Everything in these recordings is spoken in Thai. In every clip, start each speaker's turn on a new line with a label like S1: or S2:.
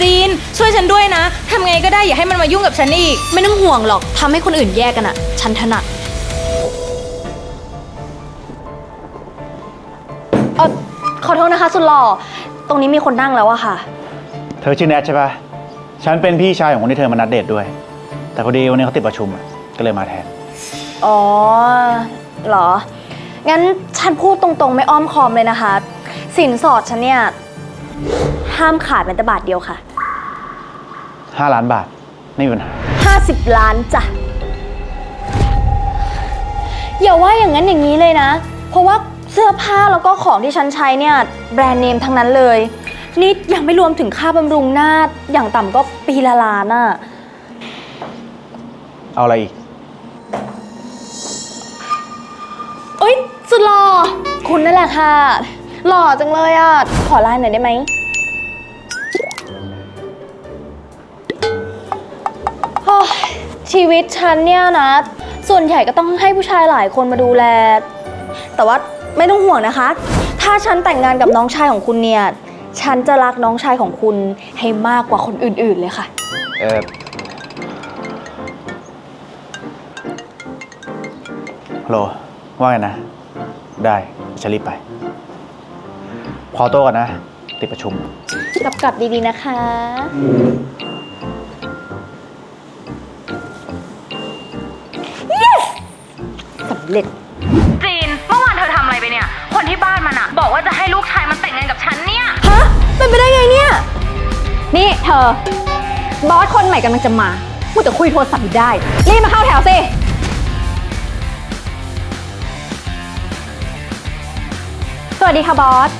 S1: จีนช่วยฉันด้วยนะทำไงก็ได้อย่าให้มันมายุ่งกับฉันอีก
S2: ไม่ต้องห่วงหรอกทำให้คนอื่นแยกกันอะฉันถนัดขอโทษนะคะสุดหล่อตรงนี้มีคนนั่งแล้วอะค่ะ
S3: เธอชื่อแนทใช่ปะฉันเป็นพี่ชายของคนที่เธอมานัดเดทด้วยแต่พอดีวันนี้เขาติดประชุมก็เลยมาแทน
S2: อ๋อเหรองั้นฉันพูดตรงๆไม่อ้อมค้อมเลยนะคะสินสอดฉันเนี่ยห้ามขาดแม้แต่บาทเดียวค่ะ
S3: 5 ล้านบาทไม่มีปัญหา
S2: 50 ล้านจ้ะอย่าว่าอย่างนั้นอย่างนี้เลยนะเพราะว่าเสื้อผ้าแล้วก็ของที่ฉันใช้เนี่ยแบรนด์เนมทั้งนั้นเลยนี่ยังไม่รวมถึงค่าบำรุงหน้าอย่างต่ำก็ปีละล้านอะ
S3: เอาอะไรอีก
S2: เอ้ยสุดหล่อคุณนั่นแหละค่ะหล่อจังเลยอะขอไลน์หน่อยได้ไหมชีวิตฉันเนี่ยนะส่วนใหญ่ก็ต้องให้ผู้ชายหลายคนมาดูแลแต่ว่าไม่ต้องห่วงนะคะถ้าฉันแต่งงานกับน้องชายของคุณเนี่ยฉันจะรักน้องชายของคุณให้มากกว่าคนอื่นๆเลยค่ะ
S3: ฮัลโหลว่าไงนะได้ฉันรีบไปขอตัวก่อนนะติดประชุม
S2: กลับดีๆนะคะสำเร็จ
S1: จีนเมื่อวานเธอทำอะไรไปเนี่ยคนที่บ้านมันอะบอกว่าจะให้ลูกชายมันแต่งงานกับฉันเนี่ย
S2: ฮะเป็นไปได้ไงเนี่ย
S4: นี่เธอบอสคนใหม่กำลังจะมาพูดแต่คุยโทรศัพท์อยู่ได้รีบมาเข้าแถวสิสวัสดีค่ะบอส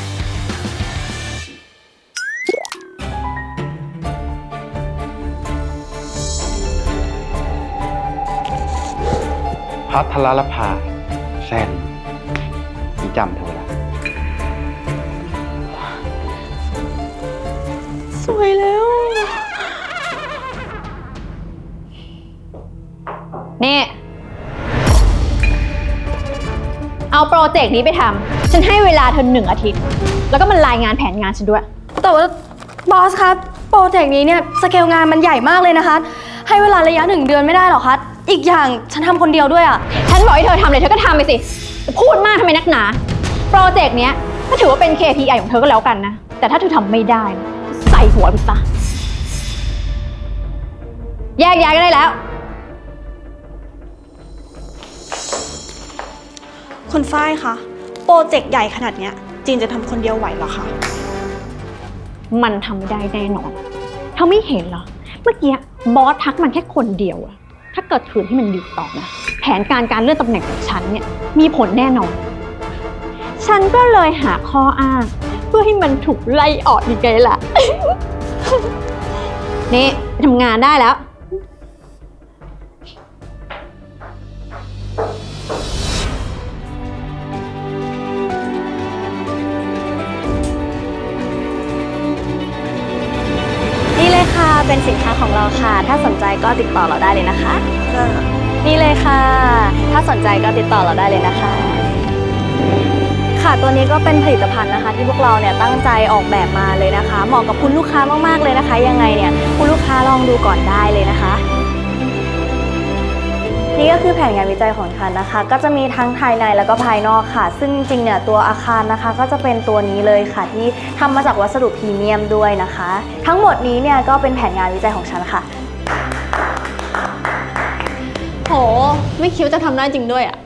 S3: พัทรลภาแซนจำเธอแล้ว
S2: สวยแล้ว
S4: นี่เอาโปรเจกต์นี้ไปทำฉันให้เวลาเธอ1 อาทิตย์แล้วก็มันรายงานแผนงานฉันด้วย
S2: แต่ว่าบอสครับโปรเจกต์นี้เนี่ยสเกลงานมันใหญ่มากเลยนะคะให้เวลาระยะ1 เดือนไม่ได้หรอคะอีกอย่างฉันทำคนเดียวด้วยอ่ะ
S4: ฉันบอกให้เธอทำเลยเธอก็ทำไปสิพูดมากทำไมนักหนาโปรเจกต์เนี้ยก็ถือว่าเป็น KPI ของเธอก็แล้วกันนะแต่ถ้าเธอทำไม่ได้ใส่หัวไปซะแยกย้ายก็ได้แล้ว
S5: คุณฝ้ายคะโปรเจกต์ใหญ่ขนาดเนี้ยจีนจะทำคนเดียวไหวเหรอคะ
S4: มันทำไม่ได้แน่นอนเธอไม่เห็นเหรอเมื่อกี้บอสทักมันแค่คนเดียวอะถ้าเกิดขืนให้มันอยู่ต่อนะแผนการเลื่อนตำแหน่งของฉันเนี่ยมีผลแน่นอนฉันก็เลยหาข้ออ้างเพื่อให้มันถูกไล่ออกยังไงล่ะ นี่ไปทำงานได้แล้ว
S2: นี่เลยค่ะเป็นสินค้าของเราค่ะถ้าสนใจก็ติดต่อเราได้เลยนะคะนี่เลยค่ะถ้าสนใจก็ติดต่อเราได้เลยนะคะค่ะตัวนี้ก็เป็นผลิตภัณฑ์นะคะที่พวกเราเนี่ยตั้งใจออกแบบมาเลยนะคะเหมาะกับคุณลูกค้ามากๆเลยนะคะยังไงเนี่ยคุณลูกค้าลองดูก่อนได้เลยนะคะนี่ก็คือแผนงานวิจัยของฉันนะคะก็จะมีทั้งภายในแล้วก็ภายนอกค่ะซึ่งจริงๆเนี่ยตัวอาคารนะคะก็จะเป็นตัวนี้เลยค่ะที่ทำมาจากวัสดุพรีเมียมด้วยนะคะทั้งหมดนี้เนี่ยก็เป็นแผนงานวิจัยของฉันค่ะ
S4: โหไม่คิดว่าจะทำได้จริงด้วยอ่ะ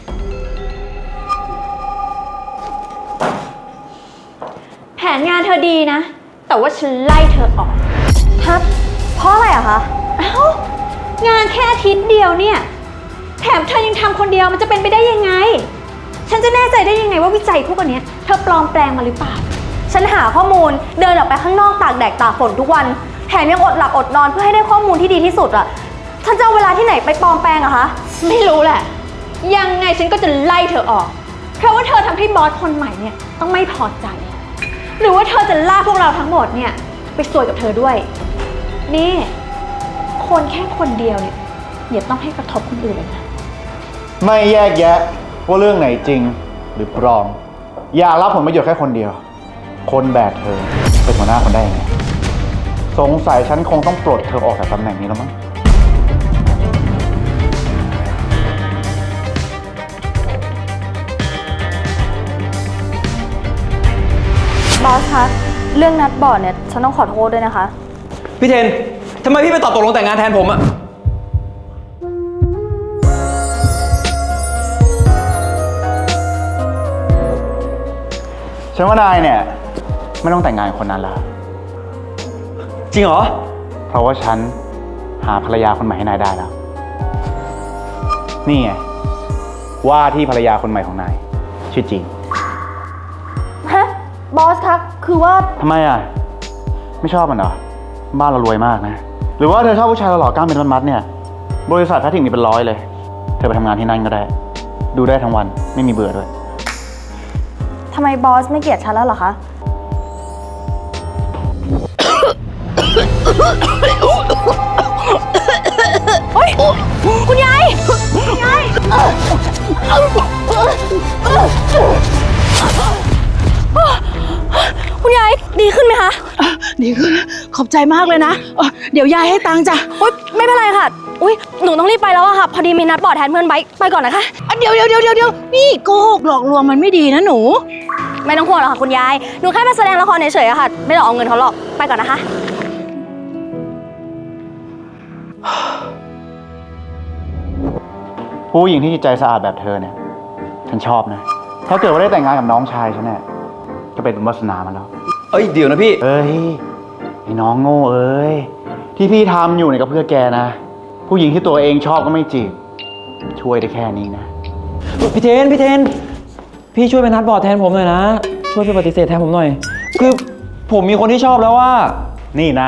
S4: แผนงานเธอดีนะแต่ว่าฉันไล่เธอออก
S2: ครับเพราะอะไรอะคะ
S4: งานแค่อาทิตย์เดียวเนี่ยแถมเธอยังทำคนเดียวมันจะเป็นไปได้ยังไงฉันจะแน่ใจได้ยังไงว่าวิจัยพวกอันนี้เธอปลอมแปลงมาหรือเปล่า
S2: ฉันหาข้อมูลเดินออกไปข้างนอกตากแดดตากฝนทุกวันแถมยังอดหลับอดนอนเพื่อให้ได้ข้อมูลที่ดีที่สุดอะฉันจะเอาเวลาที่ไหนไปปลอมแปลงอะคะ
S4: ไม่รู้แหละยังไงฉันก็จะไล่เธอออกเพราะว่าเธอทำให้บอสคนใหม่เนี่ยต้องไม่พอใจหรือว่าเธอจะล่าพวกเราทั้งหมดเนี่ยไปซวยกับเธอด้วยนี่คนแค่คนเดียวเนี่ยอย่าต้องให้กระทบคนอื่นเลยนะ
S3: ไม่แยกแยะว่าเรื่องไหนจริงหรือปลอมอยากรับผลประโยชน์แค่คนเดียวคนแบบเธอเป็นหัวหน้าคนได้ไงสงสัยฉันคงต้องปลดเธอออกจากตำแหน่งนี้แล้วมั้ง
S2: บอสคะ เรื่องนัดบอร์ดเนี่ย ฉันต้องขอโทษด้วยนะคะ
S6: พี่เทน ทำไมพี่ไปตอบตกลงแต่งงานแทนผมอะ
S3: ฉันว่านายเนี่ย ไม่ต้องแต่งงานกับคนนั้นแล้ว
S6: จริงเหรอ
S3: เพราะว่าฉันหาภรรยาคนใหม่ให้นายได้แล้ว นี่ไง ว่าที่ภรรยาคนใหม่ของนาย ชื่อจีน
S2: ฮะ บอสคะ คือว่า
S3: ทำไมอ่ะ ไม่ชอบมันเหรอ บ้านเรารวยมากนะ หรือว่าเธอชอบผู้ชายหล่อๆกล้ามเป็นมัดๆเนี่ย บริษัทแพทริกมีเป็น100เลย เธอไปทำงานที่นั่นก็ได้ ดูได้ทั้งวันไม่มีเบื่อด้วย
S2: ทำไมบอสไม่เกลียดฉันแล้วเหรอคะ เฮ้ย คุณยาย คุณยาย คุณยาย ดีขึ้นไหมคะ
S7: ดีขึ้นขอบใจมากเลยนะเดี๋ยวยายให้ตังค์จ้ะ
S2: อุ๊ย ไม่เป็นไรค่ะ อุ๊ย หนูต้องรีบไปแล้วอะค่ะ พอดีมีนัดบอร์ดแทนเพื่อนไว้ไปก่อนนะคะ
S7: เดี๋ยวนี่โกหกหลอกลวงมันไม่ดีนะหนู
S2: ไม่ต้องห่วงหรอกค่ะคุณยาย หนูแค่มาแสดงละครเฉยๆอะค่ะ ไม่ต้องเอาเงินเขาหรอก ไปก่อนนะคะ
S3: ผู้หญิงที่จิตใจสะอาดแบบเธอเนี่ย ฉันชอบนะ ถ้าเกิดว่าได้แต่งงานกับน้องชายฉันเนี่ย ก็เป็นบุญวาสนามันแล้ว
S6: เอ้ย เดี๋ยวนะพี่
S3: เอ้ย ไอ้น้องโง่เอ้ย ที่พี่ทำอยู่เนี่ยก็เพื่อแกนะ ผู้หญิงที่ตัวเองชอบก็ไม่จีบ ช่วยได้แค่นี้นะ
S6: พี่เทน พี่ช่วยไปนัดบอร์ดแทนผมหน่อยนะ ช่วยไปปฏิเสธแทนผมหน่อย คือผมมีคนที่ชอบแล้วว่า
S3: นี่นาย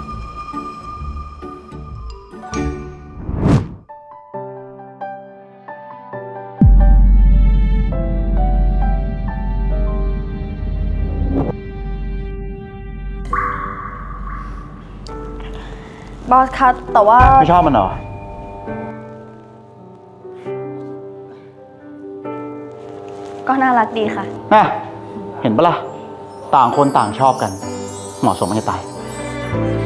S2: บอสคะแต่ว่า
S3: ไม่ชอบมันเหรอ
S2: ก็น่ารักดีค่ะ
S3: น่ะ เห็นปะล่ะ ต่างคนต่างชอบกัน เหมาะสมมันจะตาย